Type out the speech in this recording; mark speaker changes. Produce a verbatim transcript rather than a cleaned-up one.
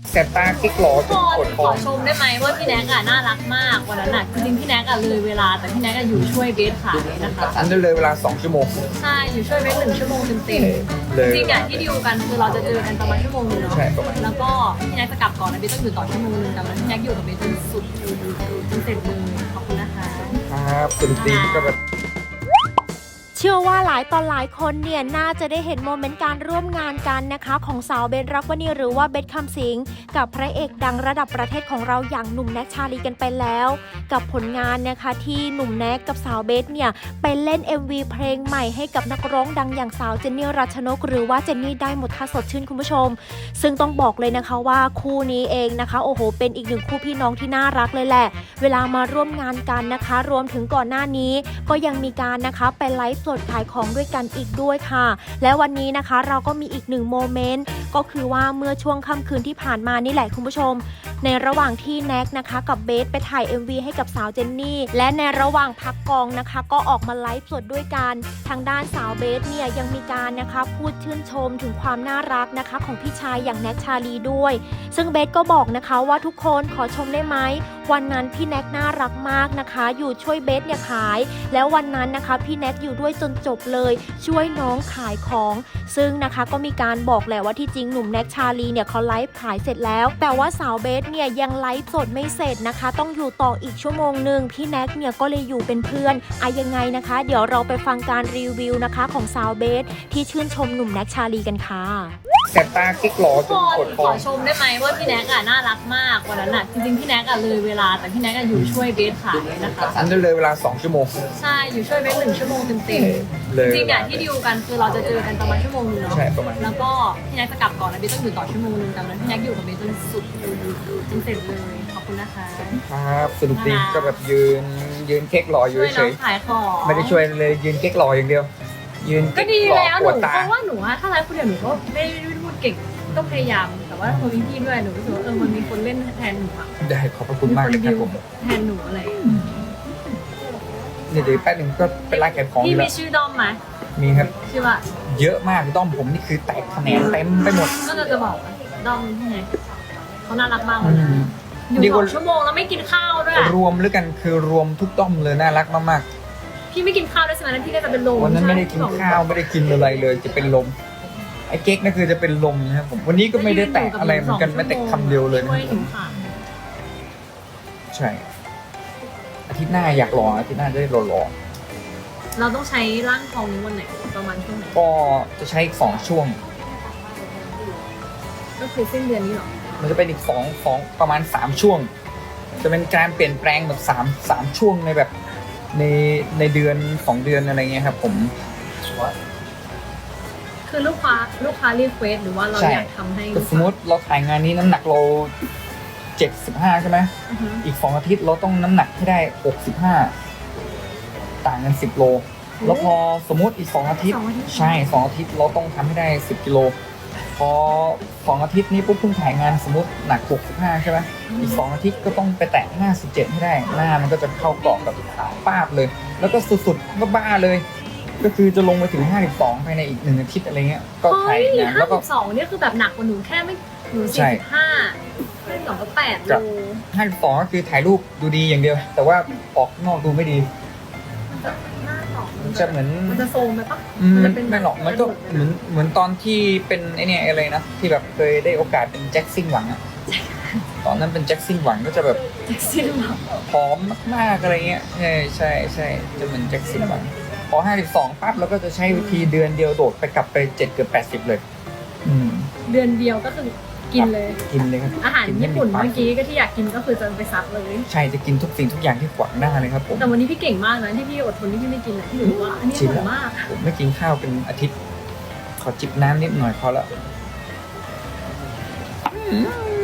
Speaker 1: แสบตากิ๊กหลอ
Speaker 2: ทุ
Speaker 1: จ
Speaker 2: ก
Speaker 1: น
Speaker 2: ค
Speaker 1: ปวน ด
Speaker 2: ข
Speaker 1: ท้อ
Speaker 2: อง ชมได้ไหมว่าพี่แน็กอะน่ารักมากวันนั้นอะจริงๆพี่แน็กอะเลยเวลาแต่พี่แน็กอะอยู่ช่วยเบสขายนะคะ
Speaker 1: อันนั้นเลยเวลาสองชั่วโมง
Speaker 2: ใช่อยู่ช่วยเบสหนึ่งชั่วโมงเต็มๆ
Speaker 1: เลย
Speaker 2: จริงๆอะที่ดีลกันคือเราจะเจอกันประมาณชั่วโมงนึงเนาะ
Speaker 1: ใช่ประมาณ
Speaker 2: แล้วก็พี่แน็กจะกลับก่อนนะเบสต้องอยู่ต่อชั่วโมงนึงแต่วันนั้นพี่แน็กอยู่กับเบสจนสุดจนเสร็จเลยขอบคุณนะคะ
Speaker 1: ครับสนุกดีก็แบบ
Speaker 3: เชื่อว่าหลายตอนหลายคนเนี่ยน่าจะได้เห็นโมเมนต์การร่วมงานกันนะคะของสาวเบสรักวณีหรือว่าเบสคำสิงกับพระเอกดังระดับประเทศของเราอย่างหนุ่มแน็กชาลีกันไปแล้ว กับผลงานนะคะที่หนุ่มแน็กกับสาวเบสเนี่ยไปเล่น เอ็ม วี เพลงใหม่ให้กับนักร้องดังอย่างสาวเจนนี่รัชนกหรือว่าเจนนี่ได้หมดท่าสดชื่นคุณผู้ชมซึ่งต้องบอกเลยนะคะว่าคู่นี้เองนะคะโอ้โหเป็นอีกหนึ่งคู่พี่น้องที่น่ารักเลยแหละเวลามาร่วมงานกันนะคะรวมถึงก่อนหน้านี้ก็ยังมีการนะคะไปไลฟ์สดขายของด้วยกันอีกด้วยค่ะและวันนี้นะคะเราก็มีอีกหนึ่งโมเมนต์ก็คือว่าเมื่อช่วงค่ำคืนที่ผ่านมานี่แหละคุณผู้ชมในระหว่างที่แน็กนะคะกับเบสไปถ่าย เอ็ม วี ให้กับสาวเจนนี่และในระหว่างพักกองนะคะก็ออกมาไลฟ์สดด้วยกันทางด้านสาวเบสเนี่ยยังมีการนะคะพูดชื่นชมถึงความน่ารักนะคะของพี่ชายอย่างแน็กชาลีด้วยซึ่งเบสก็บอกนะคะว่าทุกคนขอชมได้ไหมวันนั้นพี่แน็กน่ารักมากนะคะอยู่ช่วยเบสเนี่ยขายแล้ววันนั้นนะคะพี่แน็กอยู่ด้วยจนจบเลยช่วยน้องขายของซึ่งนะคะก็มีการบอกแหละว่าที่จริงหนุ่มแน็กชาลีเนี่ยเขาไลฟ์ขายเสร็จแล้วแต่ว่าสาวเบสเนี่ยยังไลฟ์สดไม่เสร็จนะคะต้องอยู่ต่ออีกชั่วโมงหนึ่งพี่แน็กเนี่ยก็เลยอยู่เป็นเพื่อนอะยังไงนะคะเดี๋ยวเราไปฟังการรีวิวนะคะของสาวเบสที่ชื่นชมหนุ่มแน็กชาลีกันค่ะ
Speaker 1: แสบตากิ๊กหลอ
Speaker 2: ทุก
Speaker 1: จ
Speaker 2: คน น
Speaker 1: ปวดท้
Speaker 2: ข
Speaker 1: อ
Speaker 2: อง ชมได้ไหมว่าพี่แน็กอะน่ารักมากวันนั้นอะจริงๆพี่แน็กอะเลยเวลาแต่พี่แน็กอะอยู่ช่วยเบสขายนะคะ
Speaker 1: อันนั้นเลยเวลาสองชั่วโมง
Speaker 2: ใช่อยู่ช่วยเบสหนึ่งชั่วโมงเต็ม
Speaker 1: เลย
Speaker 2: ๆจริงๆอะที่ดีลกันคือเราจะเจอกันประมาณชั่วโมงนึงเนาะ
Speaker 1: ใช่ประมาณ
Speaker 2: แล้วก็พี่แน็กจะกลับก่อนนะเบสต้องอยู่ต่อชั่วโมงนึงแต่วันนั้นพี่แน็กอยู่กับเบสจนสุดจนเสร็จเลยขอบคุณนะคะ
Speaker 1: ครับสนุกดีก็แบบยืนยืนเก๊กหลออยู่
Speaker 2: ช่วย
Speaker 1: เฉ
Speaker 2: น้อง
Speaker 1: ย
Speaker 2: ขายของ
Speaker 1: ๆไม่ได้ช่วยเลยยืนเก๊กหลออย่างเดียว ยืน
Speaker 2: ก็
Speaker 1: เก๊ก
Speaker 2: ดี
Speaker 1: หลอ
Speaker 2: แล้วห
Speaker 1: ป
Speaker 2: นู
Speaker 1: วดตา
Speaker 2: เพราะว่าหนูอะถ้าไลฟ์คนเดียวหนูก็ไม่ได้พูดเก่งก็พยายามแต่ว่าพอมีพี่ด้วยหนูรู้สึกว่าเออมันมีคนเล่นแทนหนูอะ
Speaker 1: ได้ขอบพระคุณมากเลยครับผม
Speaker 2: แทนหนูอะไร
Speaker 1: เนี่ยเดี๋ยวแป๊บนึงก็เป็นร้านขายของอ
Speaker 2: พี่
Speaker 1: ยู่
Speaker 2: มี
Speaker 1: แล้ว
Speaker 2: ชื่อด้อมไหม
Speaker 1: มีครับ
Speaker 2: ชื่อว่า
Speaker 1: เยอะมากด้อมผมนี่คือแตกแขนงเต็มไปหมด
Speaker 2: ก็จะบอกว่าด้อมที่ไหนเขาน่ารักมาก
Speaker 1: อื
Speaker 2: เลย
Speaker 1: ม
Speaker 2: อยู่
Speaker 1: ดี
Speaker 2: ส
Speaker 1: ก
Speaker 2: อ
Speaker 1: ว่า
Speaker 2: งชั่วโมงแล้วไม่กินข้าวด้วยอะ
Speaker 1: รวมแล้วกันคือรวมทุกด้อมเลยน่ารักมาก
Speaker 2: พี่ไม่กินข้าวด้วยใช่ไหมนั้นพี่ก็จะเป็นลม
Speaker 1: ๆวันนั้นไม่ได้กินข้าวไม่ได้กินอะไรเลยจะเป็นลมไอ้เก๊กนั่นคือจะเป็นลมนะครับผมวันนี้ก็ไม่ได้แตกอะไรเหมือนกันแม้แต่คำเดียวเลยนะ
Speaker 2: ช่วยหนูค่ะ
Speaker 1: ใช่อาทิตย์หน้าอยากรออาทิตย์หน้าจะได้รอรอ
Speaker 2: เราต้องใช้ร่างทองนี้วันไหนประมาณช่วงไหน
Speaker 1: ก็จะใช้อีกสองช่วง
Speaker 2: ก็คือสิ้นเดือนนี้หรอ
Speaker 1: มันจะเป็นอีกสองสองประมาณสามช่วง จะเป็นการเปลี่ยนแปลงแบบสามสามช่วงในแบบในในเดือนสองเดือนอะไรเงี้ยครับผม
Speaker 2: คือลูกค้าลูกค้ารีเควสหรือว่าเรา
Speaker 1: ใช่
Speaker 2: อยากทำให้
Speaker 1: ก็สมมติเราถ่ายงานนี้น้ำหนักเราเจ็ดสิบห้าใช่ไหม
Speaker 2: อือฮึ
Speaker 1: อีกสองอาทิตย์เราต้องน้ำหนักให้ได้หกสิบห้าต่างกันสิบโลแล้วพอสมมติอีกสองอาทิตย์
Speaker 2: สองอาทิตย์
Speaker 1: ใช่สองอาทิตย์เราต้องทำให้ได้สิบกิโลพอสองอาทิตย์นี้ปุ๊บเพิ่งถ่ายงานสมมติหนักหกสิบห้าใช่ไหมอีกสองอาทิตย์ก็ต้องไปแตะห้าสิบเจ็ดให้ได้หน้ามันก็จะเข้ากรอบกับป้าบเลย แล้วก็สุดๆก็บ้าเลย ก็คือจะลงไปถึงห้าสิบสองภายในอีกหนึ่งอาทิตย์อะไรเงี้ยก็ถ่าย
Speaker 2: เฮ้ย
Speaker 1: งาน
Speaker 2: ห้า
Speaker 1: แล้วก็
Speaker 2: สิบสองเนี่ยคือแบบหนักกว่าหนูแค่ไม่หนู
Speaker 1: ใช่
Speaker 2: สี่สิบห้าห้าสิบสองก็แปดโล
Speaker 1: ห้าสิบสองก็คือถ่ายรูปดูดีอย่างเดียว แต่ว่าออกนอกดูไม่ดี
Speaker 2: มันจะหน้าสอง
Speaker 1: มันจะเหมือน
Speaker 2: มันจะโซมไปปะ
Speaker 1: อืม
Speaker 2: มันจะเป็น
Speaker 1: ไม่หรอกมันก็เหมือนเหมือนตอนที่เป็นไอเนี่ยอะไรนะที่แบบเคยได้โอกาสเป็นแจ็คซิ่งหวังอะตอนนั้นเป็นแจ็คซิ่งหวังก็จะแบบ
Speaker 2: แท็กซี่หรอ
Speaker 1: ผอมมากๆอะไรเงี้ยใช่ใช่ใช่จะเหมือนแจ็คซิ่งหวังพอห้าสิบสองปั๊บเราก็จะใช้วิธีเดือนเดียวโดดไปกลับไปเจ็ดเกือบแปดสิบเลย อืม
Speaker 2: เดือนเดียวก็คือกินเลย
Speaker 1: กินเลยครับ
Speaker 2: อาหาร
Speaker 1: กิ
Speaker 2: ญี่ปุ่น
Speaker 1: ไ
Speaker 2: เมื่อกี้ก็ที่อยากกินก็คือจะไปซัดเลย
Speaker 1: ใช่จะกินทุกสิ่งทุกอย่างที่ขวางหน้าเลยครับผม
Speaker 2: แต่วันนี้พี่เก่งมากนะที่พี่อดทนที่พี่ไม่กินอ่ะที่หนูบอกว่าอันนี้อ
Speaker 1: ชิน
Speaker 2: ร่
Speaker 1: แล้
Speaker 2: อ
Speaker 1: ว
Speaker 2: ยมาก
Speaker 1: ผมไม่กินข้าวเป็นอาทิตย์ ขอจิบน้ำนิดหน่อยพอละอืม